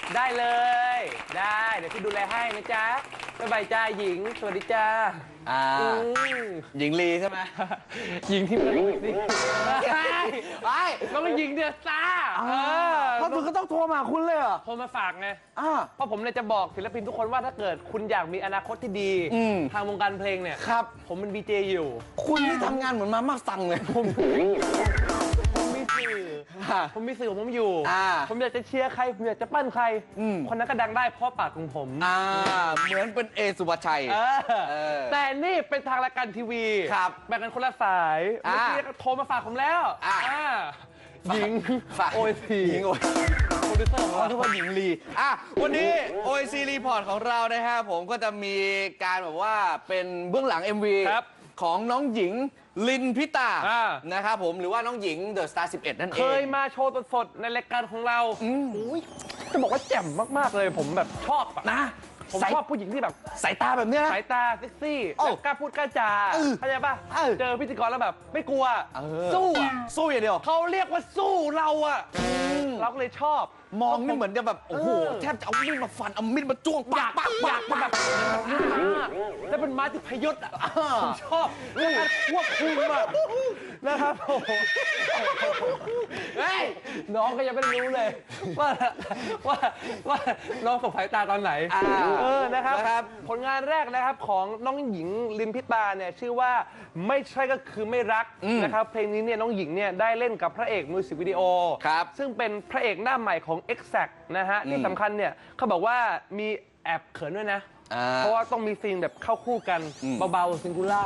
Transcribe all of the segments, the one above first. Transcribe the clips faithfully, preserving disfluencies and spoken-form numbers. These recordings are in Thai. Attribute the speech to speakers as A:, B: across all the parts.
A: ได้เลยได้เดี๋ยวพี่ดูแลให้นะจ๊ะบ๊ายบายจ้าหญิงสวัสดีจ้า
B: อ่าหญิงลีใช่ไหม
A: หญิงที่มันสิไปน้องหญิงเดือดซ่า
B: เพราะคุณก็ต้องโทรมาคุณเลยเหรอ
A: โทรมาฝากไงเพราะผมเนี่ยจะบอกศิลปินทุกคนว่าถ้าเกิดคุณอยากมีอนาคตที่ดีทางวงการเพลงเนี่ย
B: ครับ
A: ผมเป็นวีเจอยู่
B: คุณนี่ทำงานเหมือนมาม่าสั่งเลย
A: ผมมีสื่อผมมีสื่อของผมอยู่ผมอยากจะเชียร์ใครผมอยากจะปั้นใครคนนั้นก็ดังได้เพราะปากของผม
B: เหมือนเป็นเอสุภาชัย
A: แต่นี่เป็นทางรายการทีวีแบ่งกันคนละสายเมื่อกี้โทรมาฝากผมแล้วหญิงโอซี
B: หญิงโอ
A: โปรดิวเซอร์ของเรา
B: ทุกคนหญิงลีอ่ะวันนี้ โอ ซี รีพอร์ตของเรานะฮะผมก็จะมีการแบบว่าเป็นเบื้องหลัง เอ็ม วี ของน้องหญิงลินพิตานะครับผมหรือว่าน้องหญิงเดอะสตาร์สิบเอ็ดนั่นเอง
A: เคยมาโชว์สดๆในรายการของเราจะบอกว่าแจ่มมากๆเลยผมแบบชอบ
B: นะ
A: ผมชอบผู้หญิงที่แบบ
B: สายตาแบบเนี้ย
A: สายตาเซ็กซี่กล้าพูดกล้าจาเข้าใจป่ะเจอพิธีกรแล้วแบบไม่กลัวสู้
B: สู้อย่างเดียว
A: เขาเรียกว่าสู้เราอะเราก็เลยชอบ
B: มองนี่เหมือนจะแบบโอ้โหแทบจะเอามีดมาฟันเอามีดมาจ้วงปากปาก
A: ปากแบบแล้วเป็นม้าที่พยศอ่ะผมชอบเรื่องการควบคุมอ่ะนะครับโอ้โหเฮ้ยน้องก็ยังไม่รู้เลยว่าว่าว่าน้องสบสายตาตอนไหนเออนะครับผลงานแรกนะครับของน้องหญิงลินพิตาเนี่ยชื่อว่าไม่ใช่ก็คือไม่รักนะครับเพลงนี้เนี่ยน้องหญิงเนี่ยได้เล่นกับพระเอกมิวสิกวิดีโอซึ่งเป็นพระเอกหน้าใหม่ของ Exact นะฮะที่สำคัญเนี่ยเขาบอกว่ามีแอบเขินด้วยนะเพราะว่าต้องมีซีนแบบเข้าคู่กันเบาๆซิงคูล่า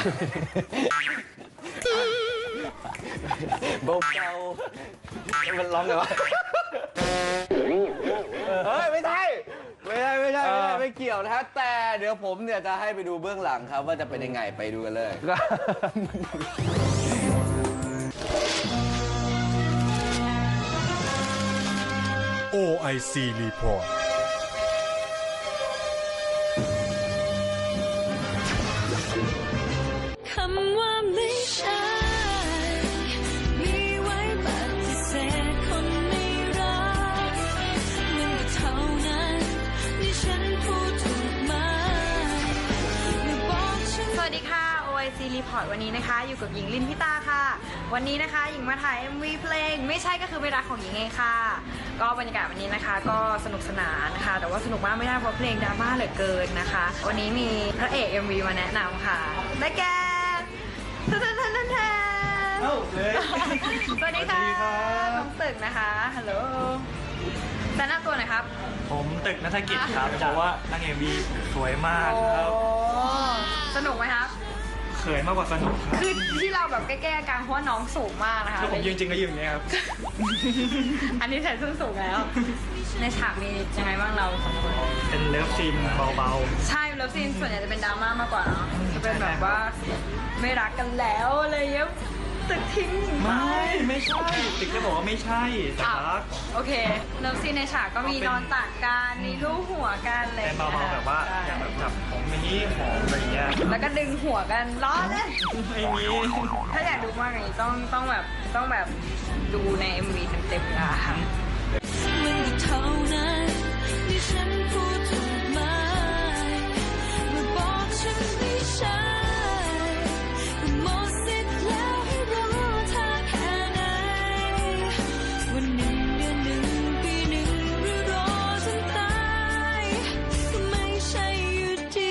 B: เบาๆมันร้องไงวะเฮ้ยไม่ใช่ไม่ใช่ไม่ใช่ไม่ใช่ไม่เกี่ยวนะฮะแต่เดี๋ยวผมเนี่ยจะให้ไปดูเบื้องหลังครับว่าจะเป็นยังไงไปดูกันเลย
C: โอ ไอ ซี Report
D: คำว่าไม่ใช่มีไว้ปฏิเสธคนไม่รักมันก็เท่านั้นที่ฉันพูดถูกไหมเมื่อบอกฉันสวัสดีค่ะ โอ ไอ ซี Report วันนี้นะคะอยู่กับหญิงลินพิตาค่ะวันนี้นะคะหญิงมาถ่าย เอ็ม วี เพลงไม่ใช่ก็คือไม่รักของหญิงเองค่ะก็บรรยากาศวันนี้นะคะก็สนุกสนานนะคะแต่ว่าสนุกมากไม่ได้เพราะเพลงดราม่าเหลือเกินนะคะวันนี้มีพระเอก เอ็ม วี มาแนะนำค่ะได้แก่ท่านท่านท่านท่านสวัสดีค่ะน้องตึกนะคะฮัลโหลแนะนำตัวหน่อยครับ
E: ผมตึกณัฐกิจครับเพราะว่านางเอ็ม วี สวยมากครับ
D: สนุกไหมครับ
E: เขินมากกว่าสนุก
D: คือที่เราแบบแก้ๆกันเพราะว่าน้องสูงมากนะคะ
E: คือผมยืนจริงก็ยืนอย่างนี้ครับ
D: อันนี้ใส่ส้นสูงแล้วในฉากมียังไงบ้างเราสองคน
E: เป็นเลิฟซีนเบา
D: ๆใช่เลิฟซีนส่วนใหญ่จะเป็นดราม่ามากกว่าเนาะจะเป็นแบบว่าไม่รักกันแล้วอะไรเงี้ยตึกทิ้ง
E: ไม่ไม่ใช่ตึกจะบอกว่าไม่ใช่แต่รัก
D: โอเคเลิฟซีนในฉากก็มีนอนตักกันมีลูบหัวกันอะไร
E: เบาๆแบบว่าอย่างแบบจับผมอย่างนี้หอมอะไรเงี้ย
D: แล้วก็ดึงหัวกันล้อเลย
E: ไม่มี
D: ถ้าอยากดูมากอย่างนี้ต้องต้องแบบต้องแบบดูใน เอ็ม วี เต็มๆนะคะมันเท่านั้นที่ฉันพูดถูกไหมเมื่อบอกฉันไม่ใช่ก็หมดสิทธิ์แล้วให้รู้ท่าแค่ไหนวันหนึ่งเดือนหนึ่งปีหนึ่งหรือรอจนตายก็ไม่ใช่อยู่ดี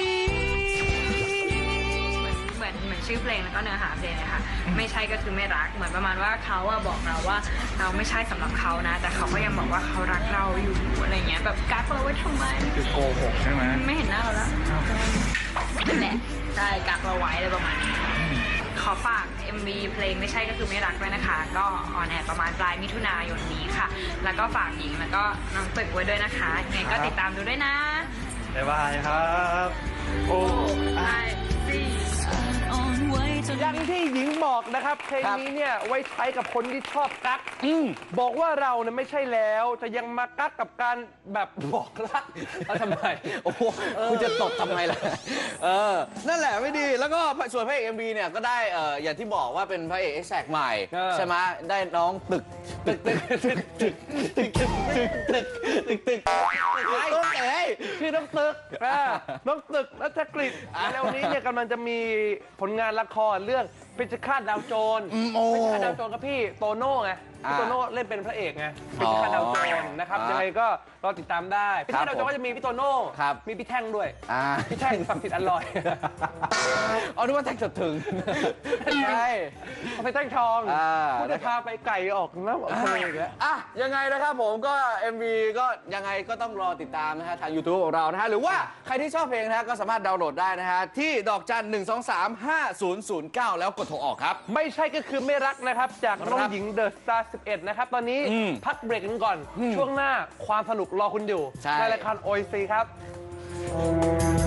D: เหมือนเหมือนชื่อเพลงแล้วก็เนื้อหาเพลงเลยค่ะไม่ใช่ก็คือไม่รักเหมือนประมาณว่าเขาอะบอกเราว่าเราไม่ใช่สำหรับเขานะแต่เขาก็ยังบอกว่าเขารักเราอยู่อะไรเงี้ยแบบกักเราไว้ทำไม
E: คือโกหกใช่ไหม
D: ไม่เห็นหน้าเราแล้วนั่นแหละใช่กักเราไว้อะไรประมาณนี้ขอฝาก เอ็ม วี เพลงไม่ใช่ก็คือไม่รักด้วยนะคะก็ออนแอร์ประมาณปลายมิถุนายนนี้ค่ะแล้วก็ฝากหญิงแล้วก็น้องตึกไว้ด้วยนะคะยังไงก็ติดตามดูด้วยนะ
E: บ๊ายบายครับโอ้
A: อย่างที่หญิงบอกนะครับเพลงนี้เนี่ยไว้ใช้กับคนที่ชอบกักบอกว่าเราเนี่ยไม่ใช่แล้วจะยังมากักกับการแบบบอกรักแล้วทำไม
B: โอ้โหคุณจะตบทำไมล่ะเออนั่นแหละไม่ดีแล้วก็ส่วนพระเอก เอ็ม วี เนี่ยก็ได้เอ่ออย่างที่บอกว่าเป็นพระเอก Exact ใหม่ใช่ไหมได้น้องตึกตึกตึกตึกตึกตึกตึกตึกตึกตึก
A: กอ่าน้องตึกรัชกฤษแล้ววันนี้เนี่ยกำลังจะมีผลงานละครเรื่องเพชฌฆาตดาวโจร
B: โอ้
A: เพชฌฆาตดาวโจรกับพี่โตโน่ไงพี่โตโน่เล่นเป็นพระเอกไงเพชฌฆาตดาวโจรนะครับยังไงก็รอติดตามได้เพชฌฆาตดาวโจรก็จะมีพี่โตโน่มีพี่แท่งด้วย
B: อ่า
A: พี่แท่งศักดิ์สิทธิ์อร่อย
B: เอานึกว่าแท็กจดถึงใช่
A: เอาไปแท่งทอง
B: อ่า
A: คุณจะพาไปไก่ออกน้ำออกทะเลอีกแล้ว
B: อ่ะยังไงนะครับผมก็ เอ็ม วี ก็ยังไงก็ต้องรอติดตามนะฮะทาง YouTube ของเรานะฮะหรือว่าใครที่ชอบเพลงนะฮะก็สามารถดาวน์โหลดได้นะฮะที่ดอกจันหนึ่งสองสามห้าศูนย์ศูนย์เก้าแล้วกดโทรออกครับ
A: ไม่ใช่ก็คือไม่รักนะครับ จากน้อง
B: ครับ
A: หญิงเดอะสตาร์สิบเอ็ดนะครับ ตอนนี้
B: อืม
A: พักเบรกกันก่อน ช่วงหน้าความสนุกรอคุณอยู่
B: ใช่
A: ในรายการโอ ซีครับ